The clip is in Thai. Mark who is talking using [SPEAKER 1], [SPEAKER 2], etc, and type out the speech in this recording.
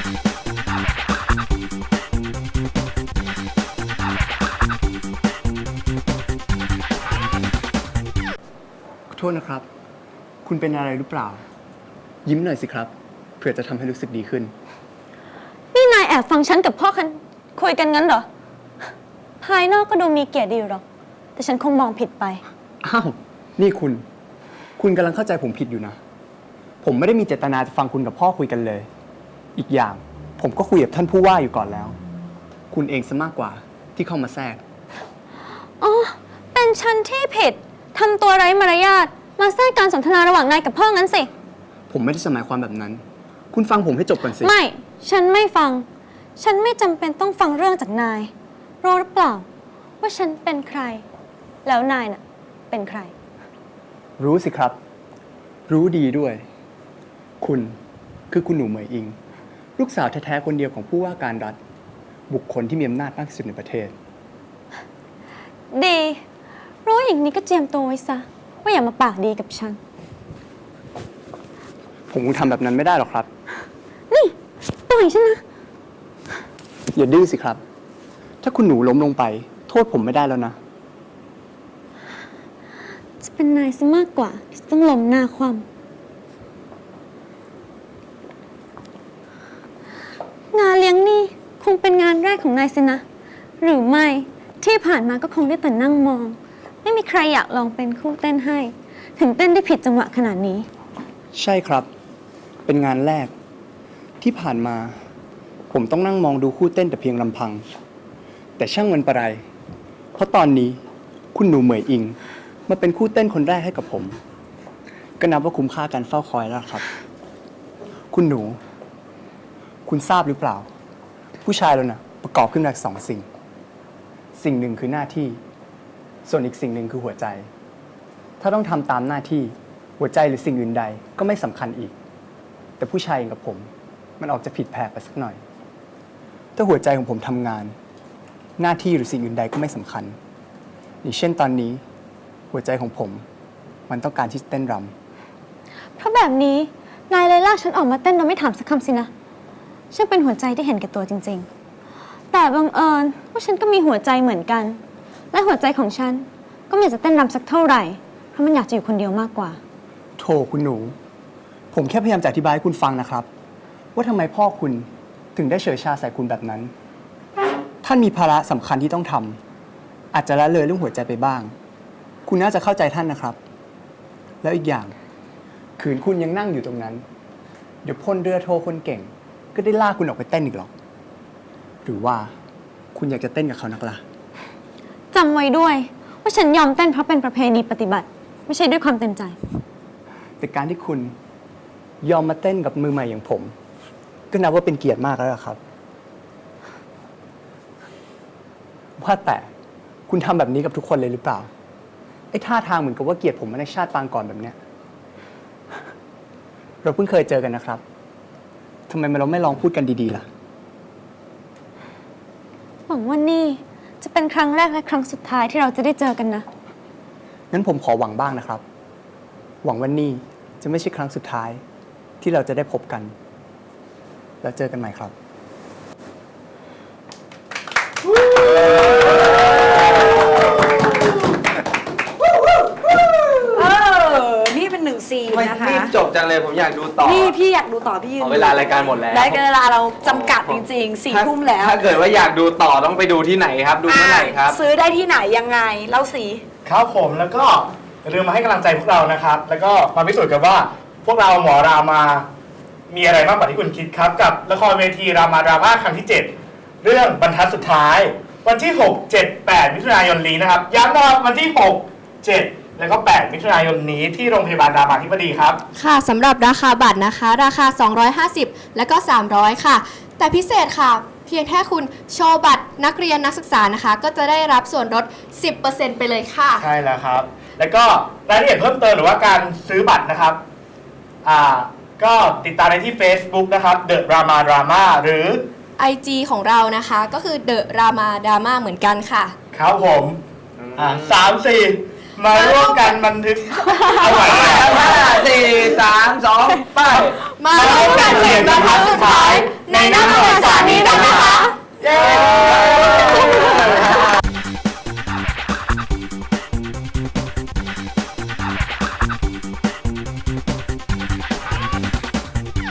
[SPEAKER 1] ขอโทษนะครับ คุณเป็นอะไรหรือเปล่า ยิ้มหน่อยสิครับเผื่อจะทำให้รู้สึกดีขึ้น
[SPEAKER 2] นี่นายแอบฟังฉันกับพ่อคันคุยกันงั้นเหรอภายนอกก็ดูมีเกียรติดีอยู่หรอกแต่ฉันคงมองผิดไป
[SPEAKER 1] อ้าวนี่คุณกำลังเข้าใจผมผิดอยู่นะผมไม่ได้มีเจตนาจะฟังคุณกับพ่อคุยกันเลยอีกอย่างผมก็คุยกับท่านผู้ว่าอยู่ก่อนแล้วคุณเองซะมากกว่าที่เข้ามาแทรก
[SPEAKER 2] อ๋อเป็นฉันที่ผิดทำตัวไร้มารยาทมาแทรกการสนทนาระหว่างนายกับพ่องั้นสิ
[SPEAKER 1] ผมไม่ได้หมายความแบบนั้นคุณฟังผมให้จบก่อนสิ
[SPEAKER 2] ไม่ฉันไม่ฟังฉันไม่จำเป็นต้องฟังเรื่องจากนายรู้หรือเปล่าว่าฉันเป็นใครแล้วนายน่ะเป็นใคร
[SPEAKER 1] รู้สิครับรู้ดีด้วยคุณคือคุณหนูเหมยอิงลูกสาวแท้ๆคนเดียวของผู้ว่าการรัฐบุคคลที่มีอำนาจมากที่สุดในประเทศ
[SPEAKER 2] ดีรู้อย่างนี้ก็เจียมตัวไว้ซะว่าอย่ามาปากดีกับฉัน
[SPEAKER 1] ผมคงทำแบบนั้นไม่ได้หรอกครับ
[SPEAKER 2] นี่ปล่อยฉันนะ
[SPEAKER 1] อย่าดื้อสิครับถ้าคุณหนูล้มลงไปโทษผมไม่ได้แล้วนะ
[SPEAKER 2] จะเป็นนายซะมากกว่าที่ต้องล้มหน้าคว่ำงานเลี้ยงนี่คงเป็นงานแรกของนายสินะหรือไม่ที่ผ่านมาก็คงได้แต่นั่งมองไม่มีใครอยากลองเป็นคู่เต้นให้ถึงเต้นได้ผิดจังหวะขนาดนี้
[SPEAKER 1] ใช่ครับเป็นงานแรกที่ผ่านมาผมต้องนั่งมองดูคู่เต้นแต่เพียงลำพังแต่ช่างมันประไรเพราะตอนนี้คุณหนูเหมยอิงมาเป็นคู่เต้นคนแรกให้กับผมก็นับว่าคุ้มค่าการเฝ้าคอยแล้วครับคุณหนูคุณทราบหรือเปล่าผู้ชายเราน่ะประกอบขึ้นมาจาก2 สิ่งหนึ่งคือหน้าที่ส่วนอีกสิ่งหนึ่งคือหัวใจถ้าต้องทำตามหน้าที่หัวใจหรือสิ่งอื่นใดก็ไม่สำคัญอีกแต่ผู้ชายอย่างกับผมมันออกจะผิดแผกไปสักหน่อยถ้าหัวใจของผมทำงานหน้าที่หรือสิ่งอื่นใดก็ไม่สำคัญอย่างเช่นตอนนี้หัวใจของผมมันต้องการที่จะเต้นร
[SPEAKER 2] ำเพราะแบบนี้นายเลยลากฉันออกมาเต้นโดยไม่ถามสักคำสินะช่างเป็นหัวใจที่เห็นแก่ตัวจริงๆแต่บังเอิญว่าฉันก็มีหัวใจเหมือนกันและหัวใจของฉันก็ไม่อยากจะเต้นรำสักเท่าไหร่เพราะมันอยากจะอยู่คนเดียวมากกว่า
[SPEAKER 1] โธ่คุณหนูผมแค่พยายามจะอธิบายให้คุณฟังนะครับว่าทำไมพ่อคุณถึงได้เฉยชาใส่คุณแบบนั้นท่านมีภาระสำคัญที่ต้องทำอาจจะละเลยเรื่องหัวใจไปบ้างคุณน่าจะเข้าใจท่านนะครับแล้วอีกอย่างขืนคุณยังนั่งอยู่ตรงนั้นเดี๋ยวพลเรือโทคนเก่งก็ได้ลากคุณออกไปเต้นอีกหรอกหรือว่าคุณอยากจะเต้นกับเขานักล่ะ
[SPEAKER 2] จำไว้ด้วยว่าฉันยอมเต้นเพราะเป็นประเพณีปฏิบัติไม่ใช่ด้วยความเต็มใจ
[SPEAKER 1] แต่การที่คุณยอมมาเต้นกับมือใหม่อย่างผมก็นับว่าเป็นเกียรติมากแล้วครับว่าแต่คุณทำแบบนี้กับทุกคนเลยหรือเปล่าไอ้ท่าทางเหมือนกับว่าเกลียดผมมาในชาติปางก่อนแบบเนี้ยเราเพิ่งเคยเจอกันนะครับทำไมเราไม่ลองพูดกันดีๆล่ะ
[SPEAKER 2] หวังว่านี่จะเป็นครั้งแรกและครั้งสุดท้ายที่เราจะได้เจอกันนะ
[SPEAKER 1] งั้นผมขอหวังบ้างนะครับหวังว่านี่จะไม่ใช่ครั้งสุดท้ายที่เราจะได้พบกันแล้วเจอกันใหม่ครับ
[SPEAKER 3] นี่เป็น1 ซีนนะคะ
[SPEAKER 4] รีบจบจังเลยผมอยากดูต่อ
[SPEAKER 3] นี่พี่อยากดูต่อพี่ยืน
[SPEAKER 4] เวลารายการหมดแล้ว
[SPEAKER 3] ได้เวลาเราจำกัดจริงๆ4 ทุ่มแล้ว
[SPEAKER 4] ถ้าเกิดว่าอยากดูต่อต้องไปดูที่ไหนครับดูเมื่อไหร่ครับ
[SPEAKER 3] ซื้อได้ที่ไหนยังไงเล่าสิ
[SPEAKER 5] ครับผมแล้วก็อย่าลืมมาให้กำลังใจพวกเรานะครับแล้วก็มาพิสูจน์กันว่าพวกเราหมอรามามีอะไรมากกว่าที่คุณคิดครับกับละครเวทีรามาดราม่าครั้งที่ 7เรื่องบรรทัดสุดท้ายวันที่6 7 8มิถุนายนนี้นะครับย้ำนะครับวันที่6 7แล้วก็8มิถุนายนนี้ที่โรงพยาบาลรามาธิบดีครับ
[SPEAKER 6] ค่ะสำหรับราคาบัตรนะคะราคา250แล้วก็300ค่ะแต่พิเศษค่ะเพียงแค่คุณโชว์บัตรนักเรียนนักศึกษานะคะก็จะได้รับส่วนลด 10% ไปเลยค่ะ
[SPEAKER 5] ใช่แล้วครับแล้วก็รายละเอียดเพิ่มเติมหรือว่าการซื้อบัตรนะครับก็ติดตามได้ที่ Facebook นะครับ The Rama Drama หรือ
[SPEAKER 6] IG ของเรานะคะก็คือ The Rama Drama เหมือนกันค่ะ
[SPEAKER 5] ครับผม3-4 มาร่วมกันบันทึกเอาไว้
[SPEAKER 4] 5 4 3 2 ไป
[SPEAKER 6] มาร่วมกันเขียนบรรทัดสุดท้าย